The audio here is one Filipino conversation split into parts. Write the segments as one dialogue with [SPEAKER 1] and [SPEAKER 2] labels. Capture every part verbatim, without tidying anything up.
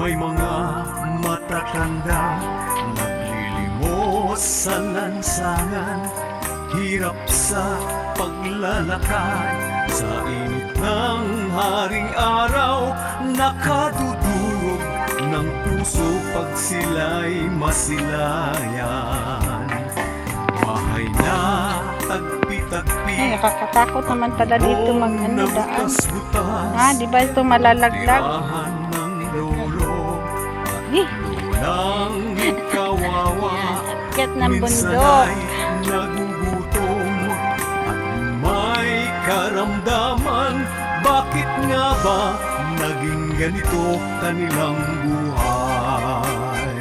[SPEAKER 1] May mga matatanda naglilimos sa lansangan, hirap sa paglalakad sa init ng haring araw, nakadudurog ng puso pag sila'y masilayan. Bahay na tagpi-tagpi,
[SPEAKER 2] Ay, nakakatakot naman pala dito mag ano, daan.
[SPEAKER 1] butas-butas,
[SPEAKER 2] Ah, di ba ito malalaglag?
[SPEAKER 1] tirahan ng lolo at
[SPEAKER 2] Eh,
[SPEAKER 1] lulang kawawa.
[SPEAKER 2] kat ng
[SPEAKER 1] Minsan
[SPEAKER 2] bundok.
[SPEAKER 1] ay nagugutom at may karamdaman. Bakit nga ba naging ganito kanilang buhay?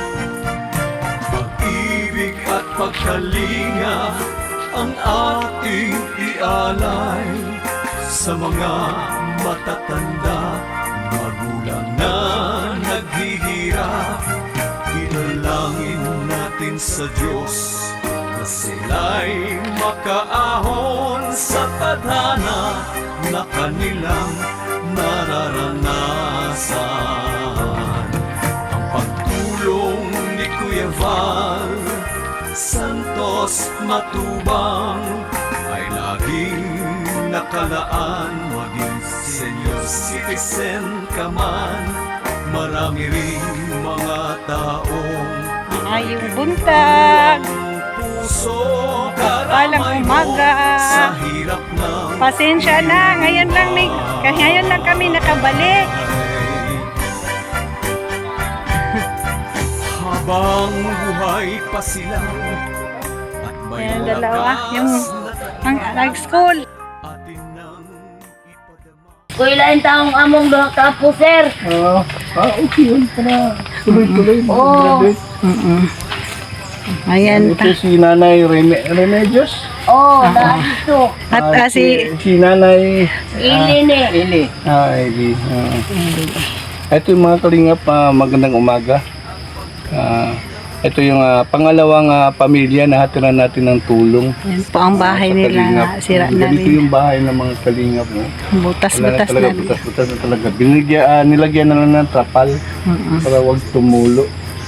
[SPEAKER 1] Pag-ibig at pagkalinga ang ating ialay sa mga matatanda, magulang na naghihirap. Ilalangin natin sa Diyos na sila'y makaahon sa tadhana na kanilang nararanasan. Ang pagtulong ni Kuya Val Santos Matubang ay laging nakalaan. Maging senior citizen ka man, marami ring mga taong
[SPEAKER 2] Ay, yung buntag.
[SPEAKER 1] puso
[SPEAKER 2] Palang umaga.
[SPEAKER 1] sa hirap ng
[SPEAKER 2] Pasensya na, ngayon lang may, ngayon lang kami nakabalik.
[SPEAKER 1] Habang buhay pa sila at may
[SPEAKER 2] Yan, dalawa,
[SPEAKER 1] lakas
[SPEAKER 2] yung
[SPEAKER 1] na
[SPEAKER 2] ang nag-school.
[SPEAKER 1] atin nang ipadama.
[SPEAKER 3] Kuilain taong among doha ka po, sir.
[SPEAKER 4] Ah, ah, okay yun. Para tuloy-tuloy.
[SPEAKER 3] Oo.
[SPEAKER 4] mag-graduate.
[SPEAKER 2] Mm-mm. Ayan
[SPEAKER 4] Ito
[SPEAKER 2] pa.
[SPEAKER 4] si Nanay Reme Remedios.
[SPEAKER 3] Oh, dahil dito.
[SPEAKER 2] At ah, si
[SPEAKER 4] si Nanay
[SPEAKER 3] Ili ni.
[SPEAKER 4] Ili. Ah, Ili. Ah. Ito yung mga kalingap, ah, magandang umaga. Ah, ito yung ah, pangalawang ah, pamilya na hatiran natin ng tulong.
[SPEAKER 2] yan po ang bahay
[SPEAKER 4] sa
[SPEAKER 2] nila
[SPEAKER 4] kalingap.
[SPEAKER 2] na sira na
[SPEAKER 4] Ganito
[SPEAKER 2] rin.
[SPEAKER 4] yung bahay ng mga kalingap. No?
[SPEAKER 2] Butas-butas
[SPEAKER 4] Wala
[SPEAKER 2] na rin.
[SPEAKER 4] butas-butas na talaga. Binigyan, ah, nilagyan na lang ng trapal
[SPEAKER 2] Mm-mm.
[SPEAKER 4] para wag tumulo.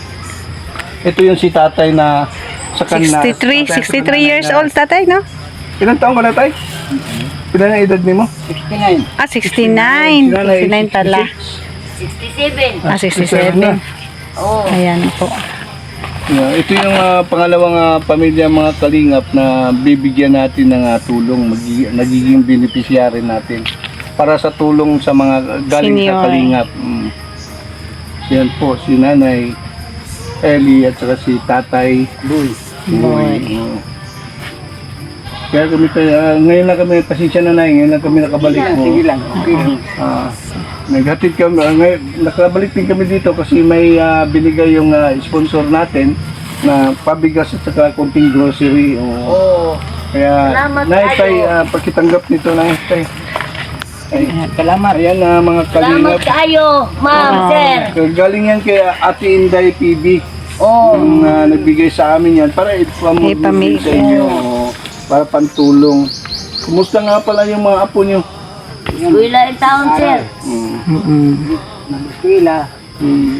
[SPEAKER 4] Ito yung si tatay na sa kanila.
[SPEAKER 2] sixty-three,
[SPEAKER 4] tatay sa
[SPEAKER 2] sixty-three
[SPEAKER 4] kanila
[SPEAKER 2] years
[SPEAKER 4] na-
[SPEAKER 2] old tatay, no?
[SPEAKER 4] Ilang taon ka na, tay? Ilan ang edad mo?
[SPEAKER 3] sixty-nine.
[SPEAKER 2] Ah, sixty-nine.
[SPEAKER 4] Si nanay,
[SPEAKER 2] sixty-nine tala.
[SPEAKER 3] sixty-seven.
[SPEAKER 2] Ah, sixty-seven.
[SPEAKER 3] Oh.
[SPEAKER 2] Ayan po.
[SPEAKER 4] Yeah, ito yung ah, pangalawang ah, pamilya mga kalingap na bibigyan natin ng ah, tulong, magi- nagiging beneficiary natin para sa tulong sa mga galing
[SPEAKER 2] Senior.
[SPEAKER 4] sa kalingap. Mm. Yan po, si Nanay Eli at saka si Tatay Boy.
[SPEAKER 2] Boy.
[SPEAKER 4] Oo. Kaya kami tayo, ah, ngayon lang kami, pasensya na na, ngayon lang kami nakabalik mo. Sige lang, okay lang. Ah, naghatid kami, ah, ngayon, nakabalik din kami dito kasi may ah, binigay yung ah, sponsor natin na pabigas at saka konting grocery. Oo.
[SPEAKER 3] Oh.
[SPEAKER 4] Kaya,
[SPEAKER 3] Salamat
[SPEAKER 4] naitay,
[SPEAKER 3] kayo.
[SPEAKER 4] uh, pagkitanggap nito, naitay. Ay,
[SPEAKER 2] Salamat.
[SPEAKER 4] ayan na mga
[SPEAKER 3] Salamat
[SPEAKER 4] kalingap.
[SPEAKER 3] kayo, ma'am,
[SPEAKER 2] Ah.
[SPEAKER 3] sir.
[SPEAKER 4] Galing yan kay Ate Inday P B.
[SPEAKER 3] Oh.
[SPEAKER 4] Yung ah, nagbigay sa amin yan para ipamigay
[SPEAKER 2] Ipamigay.
[SPEAKER 4] sa inyo. Oo, para pantulong. Kumusta nga pala yung mga apo nyo?
[SPEAKER 3] Kuilain taong, sir.
[SPEAKER 4] Mm.
[SPEAKER 2] Mm-mm.
[SPEAKER 4] Nag-eskwela. Mm.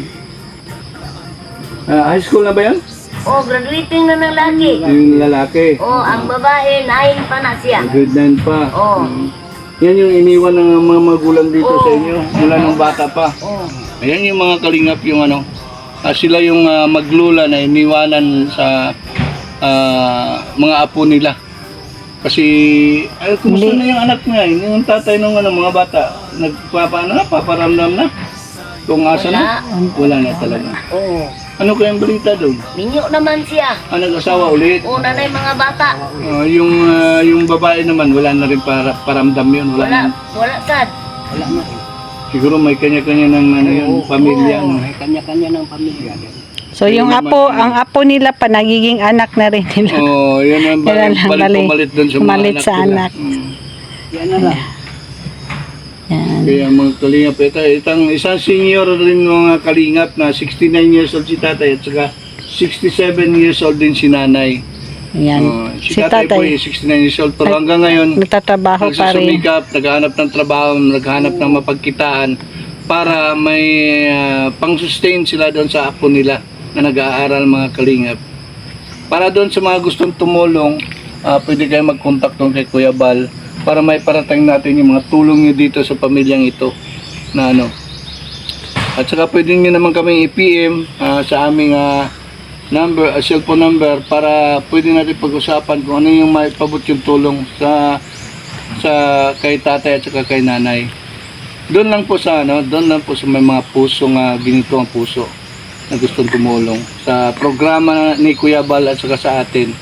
[SPEAKER 4] Ah, high school na ba yan?
[SPEAKER 3] Oh, graduating na ng lagi.
[SPEAKER 4] Yung lalaki.
[SPEAKER 3] Oh, ang babae, nine pa na siya.
[SPEAKER 4] Grade nine pa.
[SPEAKER 3] Oh.
[SPEAKER 4] Mm. Yan yung iniwan ng mga magulang dito
[SPEAKER 3] Oo.
[SPEAKER 4] sa inyo mula nung bata pa.
[SPEAKER 3] Oh.
[SPEAKER 4] Ayan yung mga kalingap yung ano. ah, sila yung ah, maglula na iniwanan sa ah, mga apo nila. Kasi, ay, kumusta
[SPEAKER 2] Hindi.
[SPEAKER 4] na yung anak niya? Yung tatay ng ano, mga bata, nagpapaano na, paparamdam na? Kung asa na? Wala na talaga.
[SPEAKER 3] Oh.
[SPEAKER 4] Ano kayang balita doon?
[SPEAKER 3] Minyo naman siya.
[SPEAKER 4] Ah, nag-asawa ulit?
[SPEAKER 3] Oh, nanay mga bata.
[SPEAKER 4] Ah, yung ah, yung babae naman, wala na rin para, paramdam yun. Wala,
[SPEAKER 3] Wala,
[SPEAKER 4] na.
[SPEAKER 3] wala sad.
[SPEAKER 4] Wala na. Siguro may kanya-kanya ng ano, yung pamilya.
[SPEAKER 3] Oo.
[SPEAKER 4] No?
[SPEAKER 3] May
[SPEAKER 4] kanya-kanya ng pamilya.
[SPEAKER 2] So yung apo, ang apo nila pa nagiging anak na rin nila.
[SPEAKER 4] Oh, yan ang
[SPEAKER 2] Kailan
[SPEAKER 4] balik,
[SPEAKER 2] lang
[SPEAKER 4] balik
[SPEAKER 2] balik-
[SPEAKER 4] pumalit doon sa mga
[SPEAKER 2] pumalit
[SPEAKER 4] anak
[SPEAKER 2] sa
[SPEAKER 4] nila.
[SPEAKER 2] anak.
[SPEAKER 4] Mm. Yan na lang.
[SPEAKER 2] Yan.
[SPEAKER 4] Kaya mga kalingap, ito, itang isang senior rin mga kalingap na sixty-nine years old si tatay at saka sixty-seven years old din si nanay.
[SPEAKER 2] Yan.
[SPEAKER 4] Oh, si,
[SPEAKER 2] Si
[SPEAKER 4] tatay, po
[SPEAKER 2] tatay,
[SPEAKER 4] ay sixty-nine years old pero hanggang ngayon
[SPEAKER 2] nagtatrabaho pa rin.
[SPEAKER 4] nagsusumikap, naghahanap ng trabaho, naghahanap ng mapagkitaan para may ah, pang-sustain sila doon sa apo nila na nag-aaral, mga kalingap. Para doon sa mga gustong tumulong, ah, pwede kayo mag-contact doon kay Kuya Bal para may parating natin yung mga tulong nyo dito sa pamilyang ito na ano. At saka pwede nyo naman kaming i-P M ah, sa aming ah, number, uh, cellphone number para pwede natin pag-usapan kung ano yung may pabot yung tulong sa sa kay tatay at saka kay nanay. Doon lang po sa ano, doon lang po sa may mga pusong uh, ginito ang puso na gustong tumulong sa programa ni Kuya Bal at saka sa atin.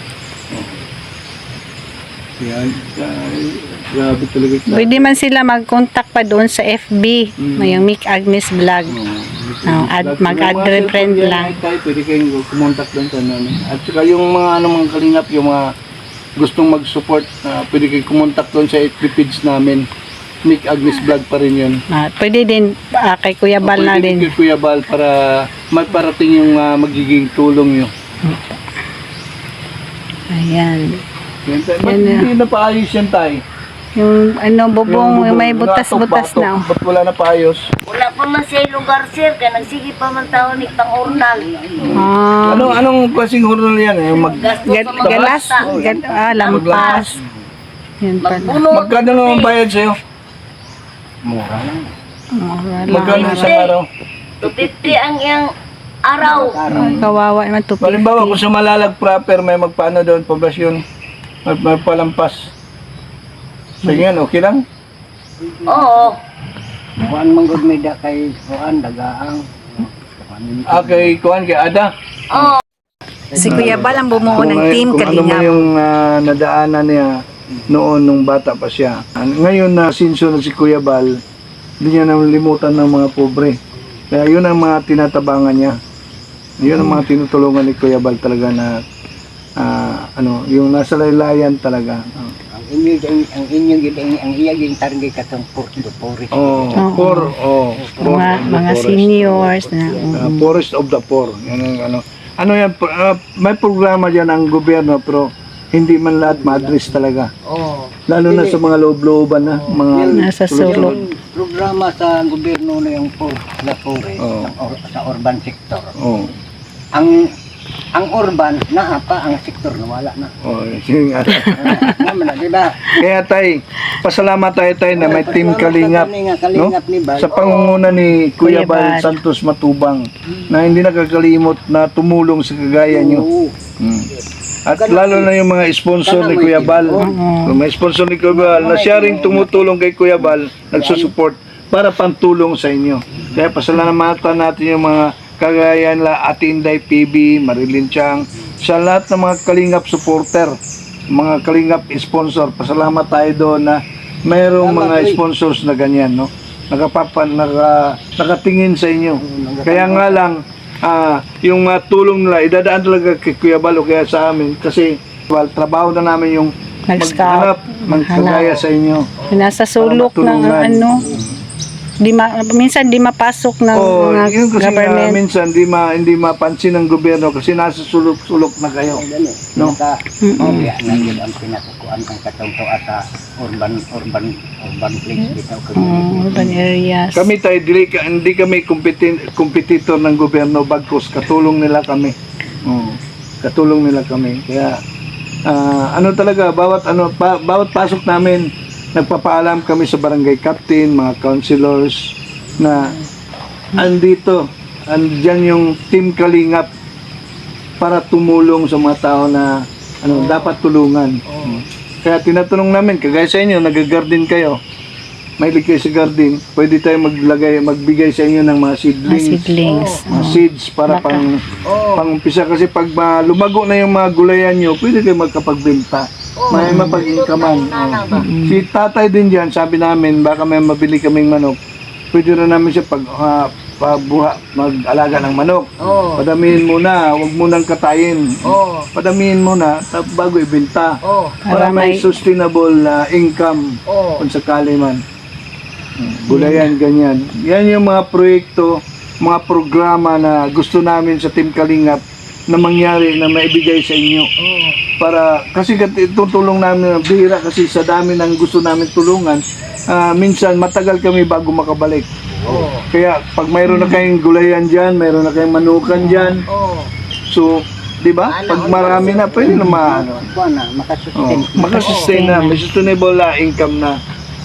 [SPEAKER 4] Yan, ay, grabe talaga.
[SPEAKER 2] Pwede man sila mag-contact pa doon sa F B,
[SPEAKER 4] Mm.
[SPEAKER 2] yung Mick Agnes Vlog. Oh, ad- mag-add friend lang.
[SPEAKER 4] Tayo, pwede kayong kumontak doon sa ano. At saka yung mga ano mga kalingap, yung mga gustong mag-support, uh, pwede kayong kumontak doon sa F B page namin. Mick Agnes Vlog pa rin yun.
[SPEAKER 2] Ah, pwede din ah, kay Kuya Bal
[SPEAKER 4] O,
[SPEAKER 2] na
[SPEAKER 4] pwede
[SPEAKER 2] din.
[SPEAKER 4] kay Kuya Bal para magparating yung uh, magiging tulong nyo.
[SPEAKER 2] Ayan.
[SPEAKER 4] Yan, tayo. Ba't
[SPEAKER 2] Yan na.
[SPEAKER 4] hindi na paayos yan tayo?
[SPEAKER 2] Yung ano, bubong, yung may
[SPEAKER 4] bubong,
[SPEAKER 2] butas-butas
[SPEAKER 4] batok,
[SPEAKER 2] na.
[SPEAKER 4] batok. Ba't wala na paayos?
[SPEAKER 3] Wala pa man siya lugar, sir. Kaya nagsige pa man tao ni pang-urnal.
[SPEAKER 2] Ah,
[SPEAKER 4] Ano, anong klaseng hornal yan? Eh? Mag,
[SPEAKER 3] Gasto
[SPEAKER 2] Ga-
[SPEAKER 3] sa mga
[SPEAKER 2] galas,
[SPEAKER 3] bata.
[SPEAKER 2] gal- ah, lampas. Yan pala.
[SPEAKER 3] Magbunot.
[SPEAKER 4] magkano naman bayad sa'yo?
[SPEAKER 2] Mura
[SPEAKER 4] Magkano
[SPEAKER 2] lang.
[SPEAKER 4] isang araw?
[SPEAKER 3] two fifty ang iyang araw.
[SPEAKER 2] Kawawa naman to.
[SPEAKER 4] Halimbawa, kung sa Malalag proper, may magpaano doon, poblasyon, may, may palampas. Sige yan, okay lang?
[SPEAKER 3] Oo.
[SPEAKER 5] Kuan manggod may da kay kuan dagaang.
[SPEAKER 4] Okay, kuhan kay Ada.
[SPEAKER 3] Oo.
[SPEAKER 2] Si Kuya Bal ang bumuo ng
[SPEAKER 4] Kung-
[SPEAKER 2] team
[SPEAKER 4] kung ano man
[SPEAKER 2] Kalingap.
[SPEAKER 4] yung ah, nadaanan niya noon nung bata pa siya. Ah, Ngayon na sinso na si Kuya Bal, hindi niya nalimutan ng mga pobre. Kaya yun ang mga tinatabangan niya. Yun ang mga tinutulungan ni Kuya Bal talaga na ah, ano, yung nasa laylayan talaga. Ah.
[SPEAKER 5] Ang inyo ang- ang inyo gid ang ang iya ging target katong Porto Forest.
[SPEAKER 4] Oh,
[SPEAKER 2] Oo.
[SPEAKER 4] poor, oh, poor
[SPEAKER 2] Mga,
[SPEAKER 4] of the
[SPEAKER 2] mga
[SPEAKER 4] forest.
[SPEAKER 2] seniors na.
[SPEAKER 4] Uh,
[SPEAKER 2] mm.
[SPEAKER 4] Forest of the Poor. Yan ang ano. Ano yan, pro- ah, may programa diyan ang gobyerno pero hindi man lahat ma-address talaga.
[SPEAKER 3] Oo.
[SPEAKER 4] Lalo na sa mga loob-looban na mga
[SPEAKER 2] Nasa sulok.
[SPEAKER 5] Yung programa sa gobyerno na yung Porto na Forest
[SPEAKER 4] Oo.
[SPEAKER 5] ang or- sa urban sector.
[SPEAKER 4] Oh.
[SPEAKER 5] Ang ang urban naa pa ang sektor nawala na.
[SPEAKER 4] Oh, yun nga.
[SPEAKER 5] Naman na, di ba?
[SPEAKER 4] Kaya tay, pasalamat tayo tay na may team Kalingap, no?
[SPEAKER 5] Kalingap ni Bal.
[SPEAKER 4] Sa pangunguna ni Kuya
[SPEAKER 2] Kuya
[SPEAKER 4] Bal
[SPEAKER 2] Bal.
[SPEAKER 4] Santos Matubang na hindi nakakalimot na tumulong sa kagaya nyo.
[SPEAKER 5] Oo.
[SPEAKER 4] Hmm. At lalo na yung mga sponsor ni Kuya Bal. Kung may sponsor ni Kuya Bal na siya ring tumutulong kay Kuya Bal, nagsusupport para pantulong sa inyo. Kaya pasalamatan natin yung mga kagaya nila Ate Inday P B, Marilyn Chang, sa lahat ng mga Kalingap supporter, mga Kalingap sponsor. Pasalamat tayo doon na mayroong mga sponsors na ganyan, no? Nakapapan, naka, nakatingin sa inyo. Kaya nga lang, ah, yung mga tulong nila, idadaan talaga kay Kuya Bal o kaya sa amin kasi well, trabaho na namin yung
[SPEAKER 2] Mag-scout.
[SPEAKER 4] maghanap, magkagaya sa inyo.
[SPEAKER 2] Nasa sulok
[SPEAKER 4] Para
[SPEAKER 2] ng
[SPEAKER 4] matulungan.
[SPEAKER 2] ano. Di ma, minsan di mapasok ng
[SPEAKER 4] Oh,
[SPEAKER 2] mga
[SPEAKER 4] yun kasi nga,
[SPEAKER 2] government.
[SPEAKER 4] minsan di ma hindi mapansin ng gobyerno kasi nasa sulok-sulok na kayo. No?
[SPEAKER 5] No. Naka obya na yun ang pinatukuan ang katungto at sa urban urban urban place dito.
[SPEAKER 2] Mm, urban areas.
[SPEAKER 4] Kami tayo dili ka, hindi kami competi- competitor ng gobyerno bagkus katulong nila kami. Oh, katulong nila kami. Kaya ah, ano talaga bawat ano pa, bawat pasok namin nagpapaalam kami sa barangay captain, mga councilors na andito, andyan yung team Kalingap para tumulong sa mga tao na ano dapat tulungan. Kaya tinatanong namin, kagaya sa inyo, nag-garden kayo, may kayo sa garden, pwede tayo maglagay, magbigay sa inyo ng mga
[SPEAKER 2] Mga
[SPEAKER 4] seedlings,
[SPEAKER 2] seedlings.
[SPEAKER 4] mga seeds para
[SPEAKER 2] Baka.
[SPEAKER 4] pang pang-umpisa kasi pag ma- lumago na yung mga gulayan nyo, pwede kayo magkapagbenta. May mapag-inkaman. Oh. Si tatay din dyan, sabi namin, baka may mabili kaming manok, pwede rin namin siya pag ah, pabuha, mag-alaga ng manok.
[SPEAKER 3] Oo.
[SPEAKER 4] Padamihin muna, huwag munang katayin.
[SPEAKER 3] Oo.
[SPEAKER 4] Padamihin muna, tap- bago ibenta.
[SPEAKER 3] Oo.
[SPEAKER 4] Para
[SPEAKER 2] Para
[SPEAKER 4] may
[SPEAKER 2] may-
[SPEAKER 4] sustainable na income
[SPEAKER 3] Oo.
[SPEAKER 4] kung sakali man. Gulayan, ganyan. Yan yung mga proyekto, mga programa na gusto namin sa Team Kalingap na mangyari, na maibigay sa inyo.
[SPEAKER 3] Oo.
[SPEAKER 4] Para, kasi kat- itutulong namin, bihira kasi sa dami ng gusto namin tulungan, ah, minsan matagal kami bago makabalik. Kaya pag mayroon na kayong gulayan dyan, mayroon na kayong manukan dyan,
[SPEAKER 3] Oo.
[SPEAKER 4] so, di ba? Pag marami na, pwede na maano.
[SPEAKER 5] Buwan na,
[SPEAKER 4] Oh,
[SPEAKER 5] makasustain.
[SPEAKER 4] makasustain na, may sustainable na income na.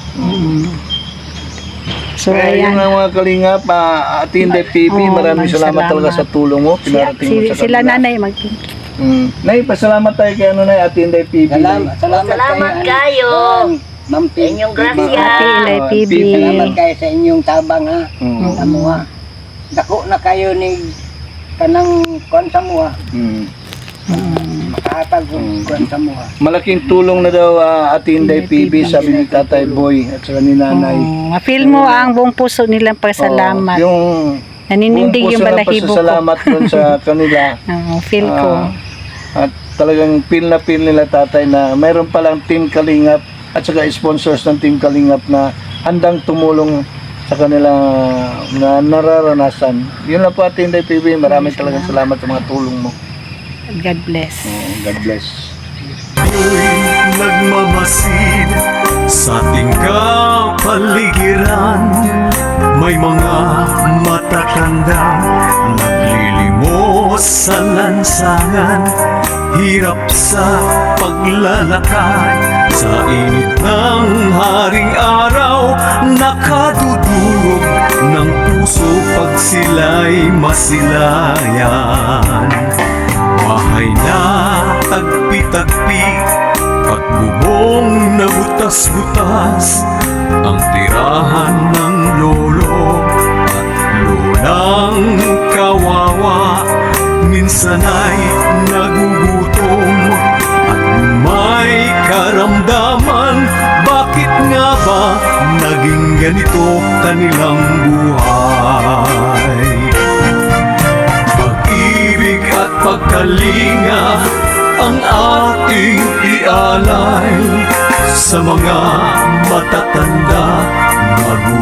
[SPEAKER 2] So,
[SPEAKER 4] Kaya
[SPEAKER 2] ayan.
[SPEAKER 4] yung mga kalingap, uh, Ate Inday P B,
[SPEAKER 2] Oo,
[SPEAKER 4] maraming salamat
[SPEAKER 2] salamat.
[SPEAKER 4] talaga sa tulong mo.
[SPEAKER 2] Si,
[SPEAKER 4] Pinarating mo
[SPEAKER 2] si,
[SPEAKER 4] sa
[SPEAKER 2] sila
[SPEAKER 4] kanila.
[SPEAKER 2] nanay mag
[SPEAKER 4] Mm. Nay, pasalamat tayo kay ano, Nay, Ate Inday P B.
[SPEAKER 5] Salamat, salamat,
[SPEAKER 3] Salamat
[SPEAKER 5] kayo.
[SPEAKER 3] kayo.
[SPEAKER 5] Ma'am
[SPEAKER 3] Sa inyong grasya.
[SPEAKER 2] Ate Inday P B.
[SPEAKER 5] Salamat kayo sa inyong tabang ha.
[SPEAKER 4] Mm.
[SPEAKER 5] Sa mua. Dako na kayo ni kanang kuan sa mua.
[SPEAKER 4] Mm.
[SPEAKER 5] Makahatag ko kuan sa mua.
[SPEAKER 4] Malaking tulong na daw uh, Ate Inday P B, sabi ni Tatay Boy at saka ni Nanay.
[SPEAKER 2] Oh, ma-feel mo ang buong puso nilang pasalamat.
[SPEAKER 4] Oh, yung
[SPEAKER 2] Naninindig yung
[SPEAKER 4] buong puso ng
[SPEAKER 2] balahibo ko.
[SPEAKER 4] pasasalamat dun sa kanila.
[SPEAKER 2] Oo, feel ko.
[SPEAKER 4] Ah, at talagang feel na feel nila tatay na mayroon palang Team Kalingap at saka sponsors ng Team Kalingap na handang tumulong sa kanila na nararanasan. Yun lang po Ate Inday P B. Maraming talagang salamat sa mga tulong mo.
[SPEAKER 2] God bless.
[SPEAKER 4] Oh, God bless.
[SPEAKER 1] Ako'y nagmamasid sa ating kapaligiran. May mga matatanda naglilimos sa lansangan. Hirap sa paglalakad sa init ng haring araw. Nakadudurog ng puso pag sila'y masilayan. Bahay na tagpi-tagpi at bubong na butas-butas ang tirahan ng lolo at lolang kawawa. Minsan ay nagugutom at may karamdaman. Bakit nga ba naging ganito kanilang buhay? Pag-ibig at pagkalinga ang ating ialay sa mga matatanda, magulang.